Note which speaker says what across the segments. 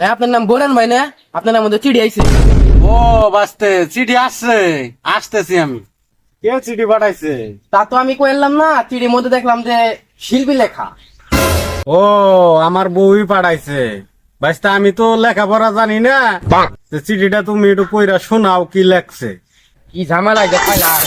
Speaker 1: ভাই আপনার নাম বোরান ভাই না? আপনার নাম মধ্যে চিঠি আইছে।
Speaker 2: ও বাস্তে চিঠি আসছে, আসতেছি আমি। কে চিঠি পাঠাইছে?
Speaker 1: তা তো আমি কইলাম না, চিঠির মধ্যে দেখলাম যে শিল্পী লেখা।
Speaker 2: ও আমার বউই পাঠাইছে। বাস্তে আমি তো লেখাপড়া জানি না, তো চিঠিটা তুমি একটু পইরা শোনাও কি লেখছে।
Speaker 1: কি ঝামেলা যে পাইলাম।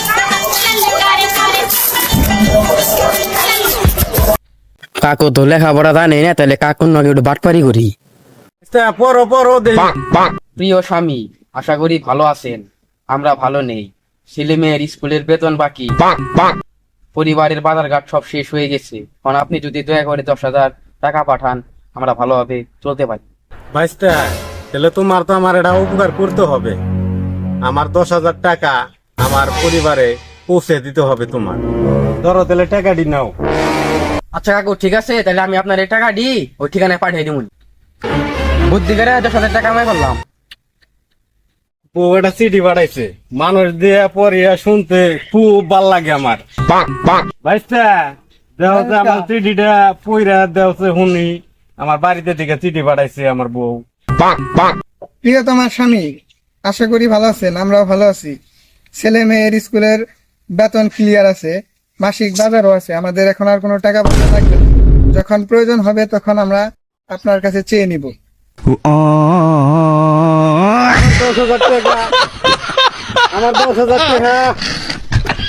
Speaker 1: কাকু তো লেখাপড়া জানে না, তাহলে কাকুর নাকি একটু বাটপারি করি।
Speaker 2: পড়ো পড়ো দেখি।
Speaker 1: প্রিয় স্বামী, আশা করি ভালো আছেন। আমরা ভালো নেই। ছেলে মেয়ের স্কুলের বেতন বাকি, পরিবারের বাজারঘাট সব শেষ হয়ে গেছে। কারণ আপনি যদি দয়া করে 10,000 টাকা পাঠান, আমরা ভালোভাবে চলতে পারি।
Speaker 2: বাইশটা তাহলে তোমার তো আমার এটা উপকার করতে হবে। আমার 10,000 টাকা আমার পরিবারে পৌঁছে দিতে হবে তোমার। ধরো তাহলে টাকাটি নাও।
Speaker 1: আচ্ছা কাকু ঠিক আছে, তাহলে আমি আপনার এই টাকা দিই ওই ঠিকানায় পাঠিয়ে দিব। বুদ্ধি করে 10,000 টাকা আমি করলাম।
Speaker 2: ও এটা চিঠি পাঠাইছে, মানুষ দিয়ে পড়িয়া শুনতে খুব ভাল লাগে আমার। বাইশটা দেও যে আমার চিঠিটা পইরা দেও যে শুনি। আমার বাড়িতে থেকে চিঠি পাঠাইছে আমার বউ।
Speaker 3: প্রিয় তোমার স্বামী, আশা করি ভালো আছেন, আমরাও ভালো আছি। ছেলে মেয়ের স্কুলের বেতন ক্লিয়ার আছে, মাসিক বাজারও আছে, আমাদের এখন আর কোনো টাকা পয়সা লাগবে না। যখন প্রয়োজন হবে তখন আমরা আপনার কাছে চেয়ে নিব।
Speaker 2: 10,000 টাকা, আমার 10,000 টাকা